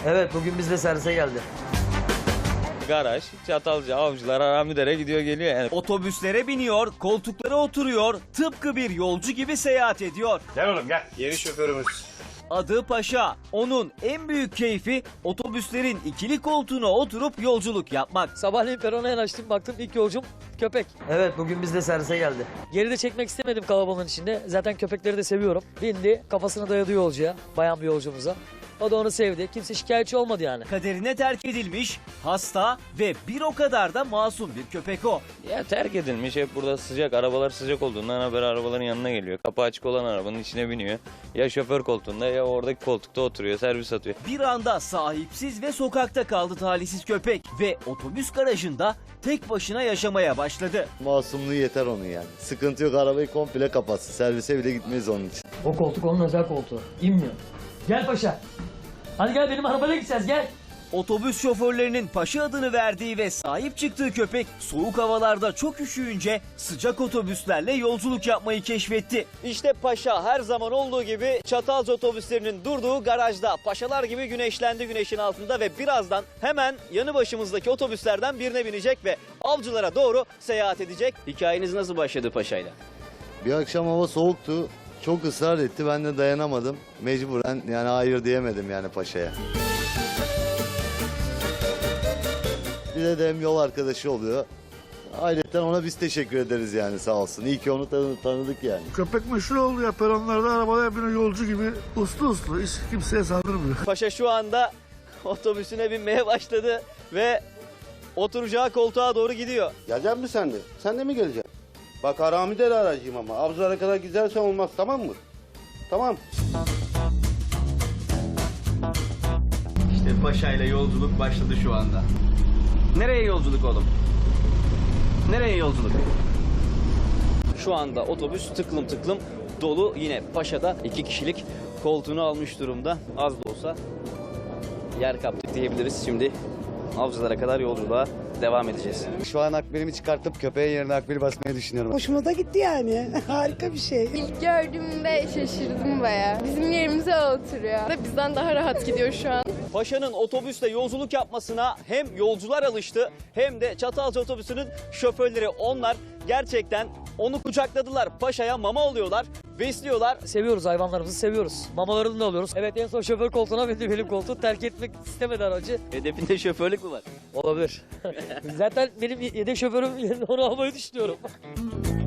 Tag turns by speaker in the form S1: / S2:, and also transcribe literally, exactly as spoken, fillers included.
S1: Evet, bugün biz de servise geldi.
S2: Garaj, Çatalca, Avcılar, Haramidere gidiyor geliyor yani.
S3: Otobüslere biniyor, koltuklara oturuyor, tıpkı bir yolcu gibi seyahat ediyor.
S4: Gel oğlum gel. Yeni şoförümüz.
S3: Adı Paşa. Onun en büyük keyfi otobüslerin ikili koltuğuna oturup yolculuk yapmak.
S5: Sabahleyin perona yanaştım, baktım ilk yolcum köpek.
S1: Evet, bugün biz de servise geldi.
S5: Geride çekmek istemedim kalabalığın içinde. Zaten köpekleri de seviyorum. Bindi, kafasını dayadı yolcuya, bayan bir yolcumuza. O da onu sevdi. Kimse şikayetçi olmadı yani.
S3: Kaderine terk edilmiş, hasta ve bir o kadar da masum bir köpek o.
S2: Ya terk edilmiş, hep burada sıcak, arabalar sıcak olduğundan haber arabaların yanına geliyor. Kapı açık olan arabanın içine biniyor. Ya şoför koltuğunda ya oradaki koltukta oturuyor, servis atıyor.
S3: Bir anda sahipsiz ve sokakta kaldı talihsiz köpek ve otobüs garajında tek başına yaşamaya başladı.
S6: Masumluğu yeter onun yani. Sıkıntı yok, arabayı komple kapatsın. Servise bile gitmeyiz onun için.
S5: O koltuk onun özel koltuğu. İnmiyor. Gel paşa. Hadi gel benim arabayla gideceğiz gel.
S3: Otobüs şoförlerinin Paşa adını verdiği ve sahip çıktığı köpek soğuk havalarda çok üşüyünce sıcak otobüslerle yolculuk yapmayı keşfetti. İşte Paşa her zaman olduğu gibi Çatalca otobüslerinin durduğu garajda. Paşalar gibi güneşlendi güneşin altında ve birazdan hemen yanı başımızdaki otobüslerden birine binecek ve Avcılara doğru seyahat edecek. Hikayeniz nasıl başladı Paşa'yla?
S6: Bir akşam hava soğuktu. Çok ısrar etti. Ben de dayanamadım. Mecburen yani hayır diyemedim yani paşaya. Bir de, de hem yol arkadaşı oluyor. Ayrıca ona biz teşekkür ederiz yani, sağ olsun. İyi ki onu tanı- tanıdık yani.
S7: Köpek meşhur oldu ya, peronlarda arabaya biniyor yolcu gibi uslu uslu, hiç kimseye saldırmıyor.
S3: Paşa şu anda otobüsüne binmeye başladı ve oturacağı koltuğa doğru gidiyor.
S8: Gelecek misin sen de? Sen de mi geleceksin? Bak Haramidere aracıyım ama. Avcılara kadar gidersen olmaz, tamam mı? Tamam.
S3: İşte Paşa ile yolculuk başladı şu anda. Nereye yolculuk oğlum? Nereye yolculuk? Şu anda otobüs tıklım tıklım dolu. Yine Paşa'da iki kişilik koltuğunu almış durumda. Az da olsa yer kaptık diyebiliriz. Şimdi Avcılara kadar yolculuğa devam edeceğiz.
S6: Şu an akbilimi çıkartıp köpeğin yerine akbil basmayı düşünüyorum.
S9: Hoşuma da gitti yani. Harika bir şey.
S10: İlk gördüğümde şaşırdım bayağı. Bizim yerimize oturuyor. Bizden daha rahat gidiyor şu an.
S3: Paşa'nın otobüsle yolculuk yapmasına hem yolcular alıştı hem de Çatalca otobüsünün şoförleri. Onlar gerçekten onu kucakladılar. Paşa'ya mama alıyorlar, besliyorlar.
S5: Seviyoruz, hayvanlarımızı seviyoruz. Mamalarını da alıyoruz. Evet, en son şoför koltuğuna bindi, benim koltuğu terk etmek istemedi aracı.
S3: Hedefinde şoförlük mü var?
S5: Olabilir. Zaten benim yedek şoförüm yerine onu almayı düşünüyorum.